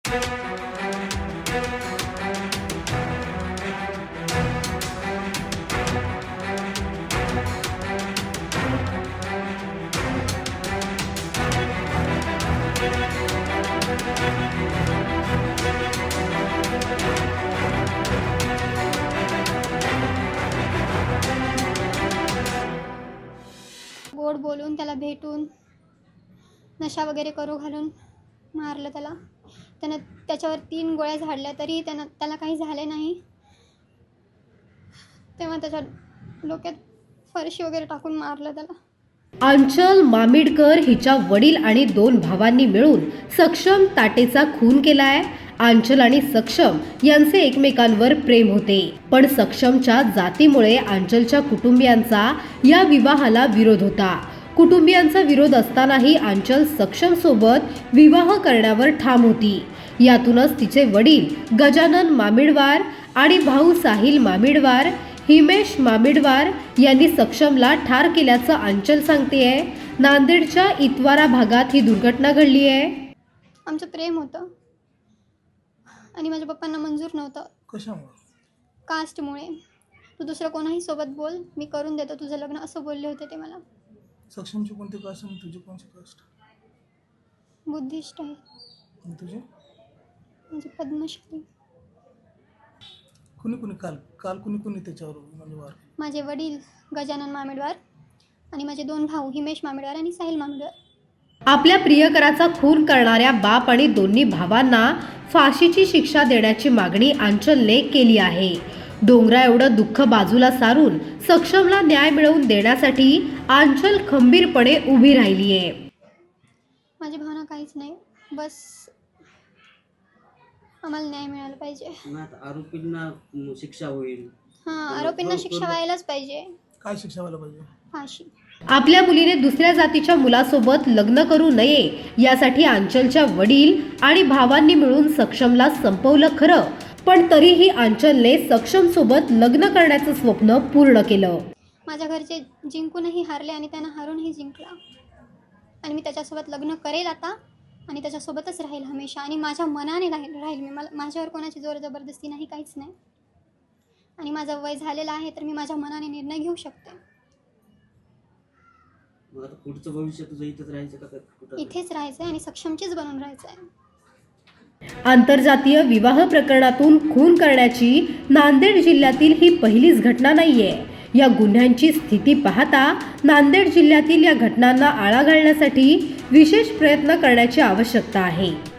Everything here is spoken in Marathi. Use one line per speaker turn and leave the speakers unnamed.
गोड बोलून त्याला भेटून नशा वगैरे करू घालून मारलं त्याला. त्यानं त्याच्यावर 3 गोळ्या झाडल्या तरी त्याला काही झाले नाही. तेव्हा त्याच्या डोक्यात फरशी वगैरे टाकून मारलं त्याला.
आंचल मामिडकर हिच्या वडील आणि 2 भावांनी मिळून सक्षम ताटेचा खून केलाय. आंचल आणि सक्षम यांचे एकमेकांवर प्रेम होते, पण सक्षमच्या जातीमुळे आंचलच्या कुटुंबियांचा या विवाहाला विरोध होता. कुटुंबियांचा विरोध असतानाही आंचल सक्षम सोबत विवाह करण्यावर ठाम होती. यातूनच तिचे वडील गजानन मामिडवार आणि भाऊ साहिल मामिडवार, हिमेश मामिडवार यांनी सक्षमला ठार केल्याचं आंचल सांगतेय. नांदेडच्या इतवारा भागात ही दुर्घटना घडली आहे.
आमचं प्रेम होतं आणि माझ्या पप्पांना मंजूर नव्हतं.
कशामुळे?
कास्टमुळे. तू दुसरं कोणाही सोबत बोल, मी करून देतो तुझं लग्न, असं बोलले होते ते मला.
सक्षमची कोणती कास्ट आणि तुझी कोणती कास्ट?
बुद्धिस्ट आहे.
आणि तुझी?
म्हणजे पद्मश्री.
कुणी काल कुणी त्याच्यावर म्हणजे वार?
माझे वडील गजानन मामिडवार आणि माझे 2 भाऊ हिमेश मामिडवार आणि साहिल मामिडवार.
आपल्या प्रियकराचा खून करणाऱ्या बाप आणि दोन्ही भावांना फाशीची शिक्षा देण्याची मागणी आंचलने केली आहे. डोंगरा एवढं दुःख बाजूला सारून सक्षमला न्याय मिळवून देण्यासाठी आंचल खंबीरपणे उभी राहिली आहे.
माझी भावना काहीच नाही, बस आम्हाला न्याय मिळाला पाहिजे.
आरोपींना शिक्षा होईल.
आरोपींना शिक्षा व्हायलाच पाहिजे.
काय शिक्षा व्हायला पाहिजे?
फाशी.
आपल्या मुलीने दुसऱ्या जातीच्या मुलासोबत लग्न करू नये यासाठी आंचलच्या वडील आणि भावांनी मिळून सक्षमला संपवलं खरं, पण तरीही आंचलने सक्षम सोबत लग्न करण्याचं स्वप्न पूर्ण केलं. माझ्या
घरचे जिंकूनही हारले आणि त्यांना हारूनही जिंकला. आणि मी त्याच्यासोबत लग्न करेल आता आणि त्याच्यासोबतच राहील हमेशा. आणि माझ्या मनाने राहील मी. माझ्यावर कोणाची जोर जबरदस्ती नाही, काहीच नाही. आणि माझं वय झालेलं आहे तर मी माझ्या मनाने निर्णय घेऊ शकते.
आता पुढचं भविष्य तुझं इथेच राहायचं का?
इथेच राहायचं आणि सक्षमचीच बनून राहायचं आहे.
आंतरजातीय विवाह प्रकरणातून खून करण्याची नांदेड जिल्ह्यातील ही पहिलीच घटना नाहीये. या गुन्ह्यांची स्थिती पाहता नांदेड जिल्ह्यातील या घटनांना आळा घालण्यासाठी विशेष प्रयत्न करण्याची आवश्यकता आहे.